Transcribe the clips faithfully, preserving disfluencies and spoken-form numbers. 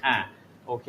อ่ะโอเค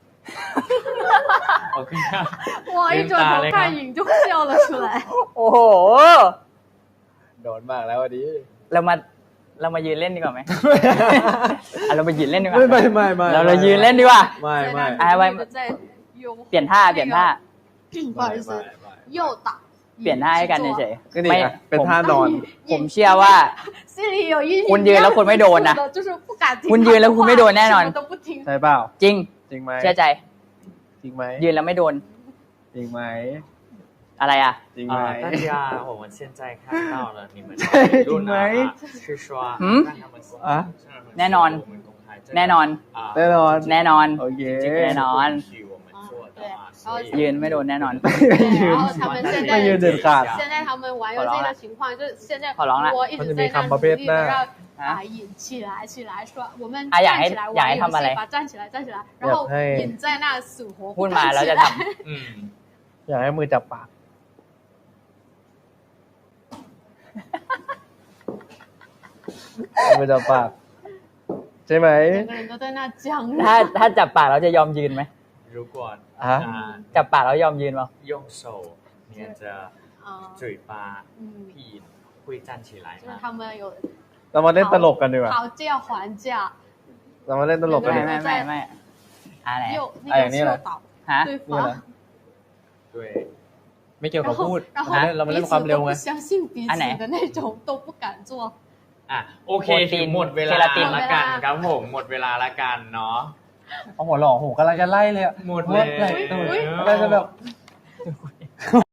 โอเค我一转头看影就笑了出来。 โอ้โหโดนมากแล้ววันนี้เรามาเรามายืนเล่นดีกว่าไหม อ่ะเรามายืนเล่นดีกว่าไม่ไม่ไม่ไม่เราเรายืนเล่นดีกว่าไม่ไม่อ่ะไว้在用เปลี่ยนท่าเปลี่ยนท่า不好意思右打เปลี่ยนท่าให้กันเฉยก็นี่อ่ะเป็นท่านอนๆผมเชื่อว่า心里有阴影คุณยืนแล้วคุณไม่โดนนะ就是不敢听คุณยืนแล้วคุณไม่โดนแน่นอน什么都不听ใช่เปล่าจริงจริงไหมเชื่อใจจริงไหมยืนแล้วไม่โดนจริงไหมอะไรอ่ะจริงไหม啊，大家我们现在看到了你们จริงไหม是说หืม让他们公อ่ะแน่นอน我们公开这个แน่นอน啊แน่นอนแน่นอนโอเคแน่นอน许我们做的嘛对所以ยืนไม่โดนแน่นอน对然后他们现ไม่ยืน在เด็ดขาด现在他们玩游戏的情况就是现在ขอร้องละ我一直在那努力的让啊引起来起来说我们อ่ะอยาก站ให้起来อยาก玩ให้游ทำอะไร戏吧站起来站起来然后引在那死活พู不ดมา站แล้ว起จะ来ทอืมอยากให้มือจับปาก มือจับปาก ใช่ไหม整个人都在那僵ำถ้าถ้าจับปากเราจะยอมยืนไหม如果อ่ะ啊จับปากแล้วยอมยืนเปล่า用手捏着啊嘴巴嗯屁会站起来就是吗他们有เรามาเล่นตลกกันดีกว่า讨价还价เรามาเล่นตลกกันไม่ดีกว่าไม่ไม่ไม่อะไร又哎呀那个你来诱导ฮะ对นี่แหละ方对ไม่เกี่ยว然กับพู后ด然后เรามา彼เล่น此ความเร็ว都ไง不相信彼此的那种都不敢做อ่ะโอเคโปรตีถึนงหมดเวลาเคราตินละกันครับผมหมดเวลาละกันเนาะเอาหัวหล่อโหกำลังจะไล่เลยอะหมดแล้วไล่ทำไมไล่จะแบบ